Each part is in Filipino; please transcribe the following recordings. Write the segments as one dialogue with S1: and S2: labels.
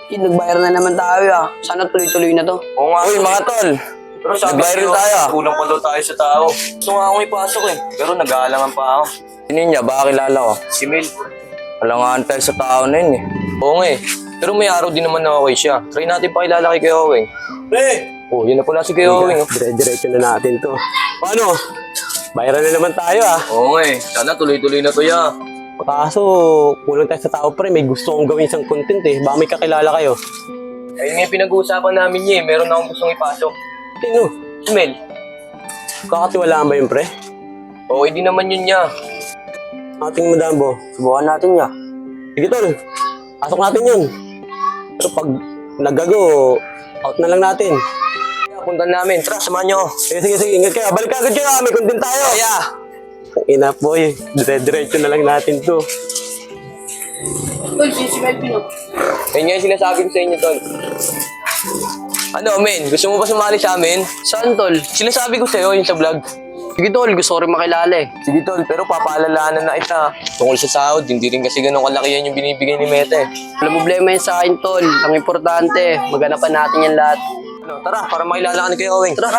S1: Nag-viral na naman tayo ah. Sana tuloy-tuloy na to.
S2: Oo nga. Uy, mga tol. Pero sabi
S3: Nag-viral
S2: ko,
S3: tayo.
S2: kulang pa daw tayo sa tao. Gusto nga akong ipasok eh. Pero nag-aalangan pa ako.
S3: Sino niya? Baka kilala ko.
S2: Si Mel.
S3: Alangaan tayo sa tao na yun eh.
S2: Oo nga eh. Pero may araw din naman na okay siya. Try natin pakilala kay Kuya Owing.
S4: Pre!
S2: Oh, yun na pala si Kuya Owing. Oh.
S4: Dire-diretso na natin to. Paano? Viral na naman tayo ah.
S2: Oo nga eh. Sana tuloy-tuloy na to ya.
S4: Kaso, kulang tayo sa tao pre. May gusto kong gawin isang content eh. Baka may kakilala kayo.
S2: Ayun nga yung pinag-uusapan namin niya eh. Meron akong gustong ipasok.
S4: Sino?
S2: Si Mel.
S4: Kakatiwalaan ba yun pre?
S2: Okay din naman yun niya.
S4: Ating madambo.
S1: Subukan natin niya.
S4: Sige tol. Pasok natin yun. Pero pag nagago, out na lang natin.
S2: Punta namin. Tara, samahan niyo ako.
S4: Sige. Ingat kayo. Balik agad kayo. May content tayo.
S2: Kaya.
S4: Ina boy. Dire-diretso na lang natin to.
S1: Tol, si Melvin oh.
S2: Ayun nga yung sinasabi ko sa inyo, tol. Ano, men? Gusto mo ba sumali sa amin?
S1: Saan tol?
S2: Sinasabi ko sa'yo yung sa vlog.
S1: Sige tol, gusto ko rin makilala eh.
S2: Sige, tol. Pero papaalalahanan na kita. Tungkol sa sahod, hindi rin kasi ganun kalaki yan yung binibigay ni Mete.
S1: Walang problema yun sa akin tol. Ang importante, maganapan natin yan lahat.
S2: Ano, tara, para makilala ka ni Kuya Owing. Tara.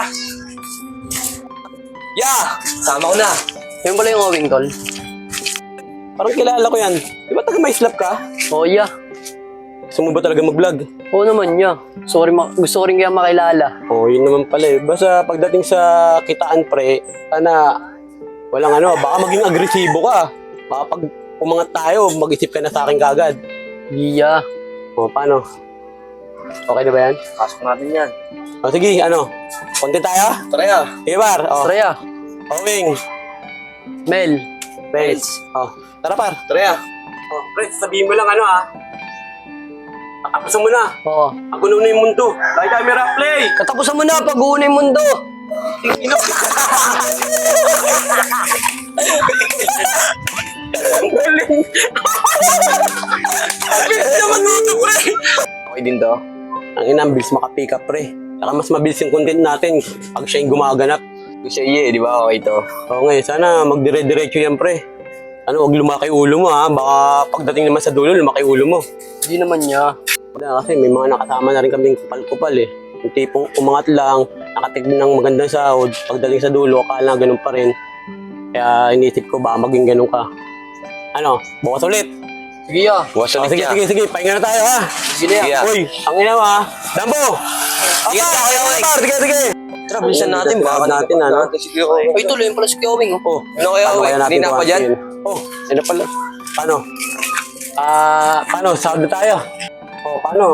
S2: Yeah! Sama ko na.
S1: Yun pala yung Owing tol.
S4: Parang kilala ko yan. Di ba taga may slap ka?
S1: Oo yeah.
S4: Gusto mo ba talaga mag-vlog?
S1: Oo naman niya. Gusto ko rin kaya makilala.
S4: Oo, yun naman pala eh. Basta pagdating sa kitaan pre, sana walang ano, baka maging agresibo ka. Baka pag umangat tayo, mag-isip ka na sa akin kagad.
S1: Iya.
S4: O, paano? Okay na ba yan?
S2: Pasok natin yan.
S4: O, sige, ano? Konti tayo?
S2: Tara ya.
S4: Sige, par. O,
S1: Freya.
S4: Owing.
S1: Mel.
S4: Friends. O, tara, par.
S2: Tara ya.
S4: O, pre, sabihin mo lang ano ah. Tatapusan mo na.
S1: Oo.
S4: Ang gulo na yung mundo. Light camera, play!
S1: Katapusan mo na pag-uuna yung mundo.
S4: Ang galing! Ang galing naman dito, pre!
S2: Okay din to.
S4: Ang ina, ang bilis makapick up, pre. Saka mas mabilis yung content natin pag siya yung gumaganap.
S2: Kasi iya, di ba? Okay to.
S4: Oo nga, sana magdire-diretso yan, pre. Ano, huwag lumaki ulo mo, ha? Baka pagdating naman sa dulo, lumaki ulo mo.
S1: Hindi naman niya.
S4: Kasi may mga nakasama na rin kaming kupal-kupal, eh. Yung tipong umangat lang, nakatignan ng magandang sahod, pagdating sa dulo, akala ganun pa rin. Kaya inisip ko, baka maging ganun ka. Ano, bukas ulit.
S1: Sige ya.
S2: Bukas
S4: Oh,
S2: ulit
S4: sige,
S2: ya.
S4: pahinga na tayo, ha?
S1: Sige na
S2: Sige
S1: ya.
S2: ya.
S4: Uy, ang ina mo, ha? Dambo!
S2: Ingat ka, Kuya Owing.
S4: Sige.
S2: Tara, bilisan natin.
S4: Tara,
S2: Baka
S4: natin, ano?
S2: Si Kuya Owing.
S1: Uy tuloy yung pala si Owing oh.
S4: Oh,
S2: Ano Kuya
S4: paano
S2: Owing?
S4: kaya natin
S2: Hindi na pa dyan?
S4: kuhanin? Oh, ano pala? Paano? Paano? Sahod na tayo. Oh, paano?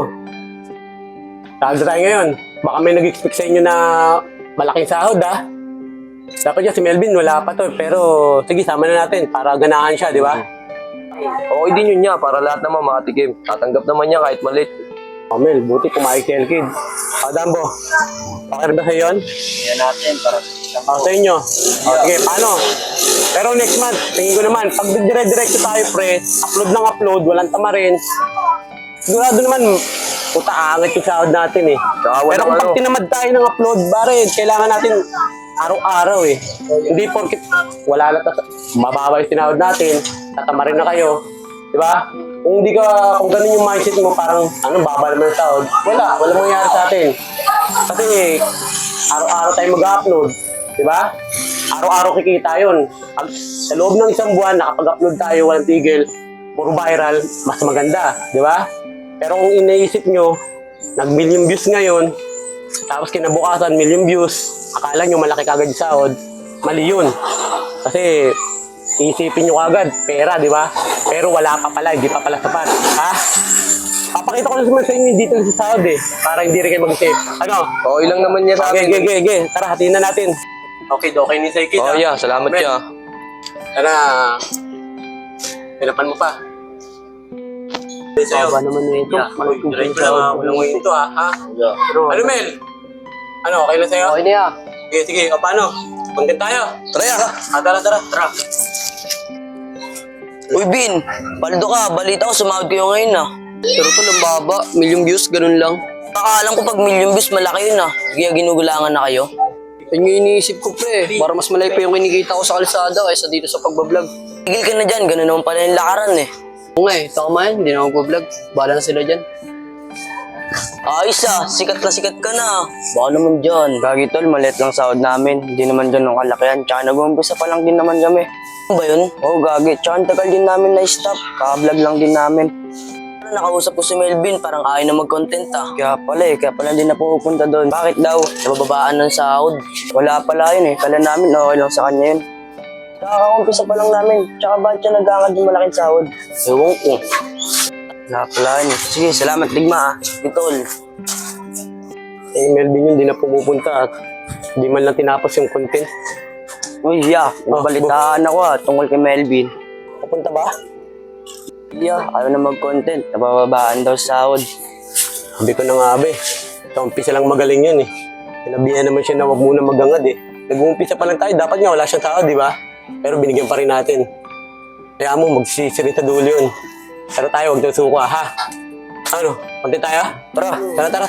S4: Sahod na tayo ngayon. Baka may nag-expect sa inyo na malaking sahod, ha? Dapat yan si Melvin, wala pa to. Pero, sige, sama na natin para ganahan siya, di ba?
S2: Okay din yun niya, para lahat naman makatikim. Tatanggap naman niya kahit malit.
S4: Oh, Mel, buti pumayag si Elkid. Dambo, okay rin ba sa'yo yun?
S1: Yan natin para
S4: Sa inyo. Sige, paano? Pero next month, tingin ko naman, pag dire-diretso tayo, pre, upload ng upload, walang tama rin. Sigurado naman, puta, angat yung sahod natin eh.
S2: Saka walang
S4: Pero kung pag
S2: ano.
S4: tinamad tayo ng upload, bare, kailangan natin araw-araw eh. Hindi porkit wala na mababa yung sinahod natin, tatama rin na kayo. Di ba? Kung ganun yung mindset mo, parang, baba naman yung sahod. Wala mangyayari sa atin. Kasi, araw-araw tayo mag-upload. Di ba? Araw-araw kikita yun. Sa loob ng isang buwan, nakapag-upload tayo, walang tigil, puro viral, mas maganda. Di ba? Pero kung iniisip nyo, nag-million views ngayon, tapos kinabukasan, million views, akala nyo malaki kagad yung sahod, mali yun. Kasi, iisipin nyo kagad, pera, di ba? Pero wala pa pala, hindi pa pala sapat. Ha? Papakita ko naman sa inyo dito sa sahod eh, para hindi rin kayo mag-isip. Ano?
S2: Okay lang naman niya sa amin.
S4: Okay. Tara, hatiin na natin. Okay ni sa ikit.
S2: Oh yeah, salamat
S4: Men.
S2: siya.
S4: Tara. Pinapan mo pa. Sa'yo.
S1: Baba naman na ito.
S4: Diretso na walang mo ito ha. Ano, Mel? Ano, okay lang sa'yo?
S1: Okay na ya.
S4: Sige. O, paano? Content tayo.
S2: Tara ya.
S4: Tara.
S1: Uy Bin, paldo ka. Balita ko sumahod kayo ngayon ah. Pero tol, ang baba. Million views, ganun lang. Nakaalam ko pag million views, malaki yun ah. Kaya ginugulangan na kayo. Yun yung iniisip ko pre. Para mas malay pa yung kinikita ko sa kalsada kaysa dito sa pagbablog. Tigil ka na dyan, ganun naman pala yung lakaran eh. Oo nga eh, tama yan. Hindi na ako mag-vlog. Bahala na sila dyan. Ayos ah, sikat na sikat ka na. Baka naman dyan.
S3: Gagi tol, maliit lang sahod namin. Hindi naman dyan ng kalakihan. Tsaka nag-uumpisa pa lang din naman kami.
S1: Ano ba yun?
S3: Oo, gagi. Tsaka ang tagal din namin na-stop. Kaka-vlog lang din namin.
S1: Nakausap ko si Melvin, parang ayaw na mag-content ah.
S3: Kaya pala din na pupunta doon. Bakit daw?
S1: Nabababaan ng sahod.
S3: Wala pala yun eh. Kala namin okay lang sa kanya yun. Kaka-umpisa pa lang namin. Tsaka bakit siya nag-aangad yung malaking sahod?
S1: Ewan ko.
S3: Wala pala yun eh. Sige, salamat Ligma ah.
S1: Itol.
S4: Eh, Melvin yun, di na pumupunta at di man lang tinapos yung content.
S3: Uy, yeah. Nabalitaan ako ah. Tungkol kay Melvin.
S4: Papunta ba?
S3: Yeah, ayaw na mag-content. Nabababaan daw sa sahod.
S4: Sabi ko na nga, abe. Sa umpisa lang magaling yun eh. Sinabihan naman siya na wag muna magangad eh. Nag-uumpisa pa lang tayo, dapat nga wala siyang tao, di ba? Pero binigyan pa rin natin. Kaya mo, magsisirin sa dulo yun. Pero tayo, huwag daw suka, ha? Ano, konti tayo? Tara.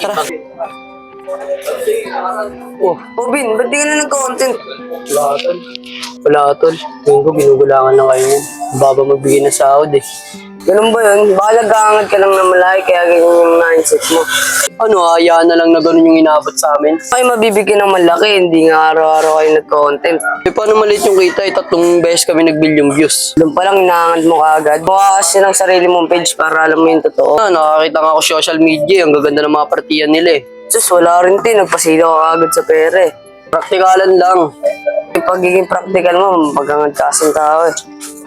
S1: Oh, Bin, ba't di ka na nag-content?
S2: Wala tol. Tingin ko ginugulangan na kayo yun. Baba magbigay ng sahod eh.
S1: Ganun ba yun? Baka nag-aangad ka lang na malaki kaya ganyan yung mindset mo.
S2: Ano, hayaan na lang na ganun yung inabot sa amin.
S1: Ay, mabibigyan ng malaki, hindi nga araw-araw kayo nag-content.
S2: Eh, paano maliit yung kita? 3 beses kami nag-billion views.
S1: Doon pa lang inaangad mo kaagad. Buka kasi ng sarili mong page para alam mo yung totoo.
S2: Nakakita nga ako social media. Ang gaganda ng mga partiyan nila eh.
S1: Sus, wala rin din. Nagpasilaw ka agad sa pera eh.
S2: Praktikalan lang.
S1: Yung pagiging practical mo, pagkangad kasing tao eh.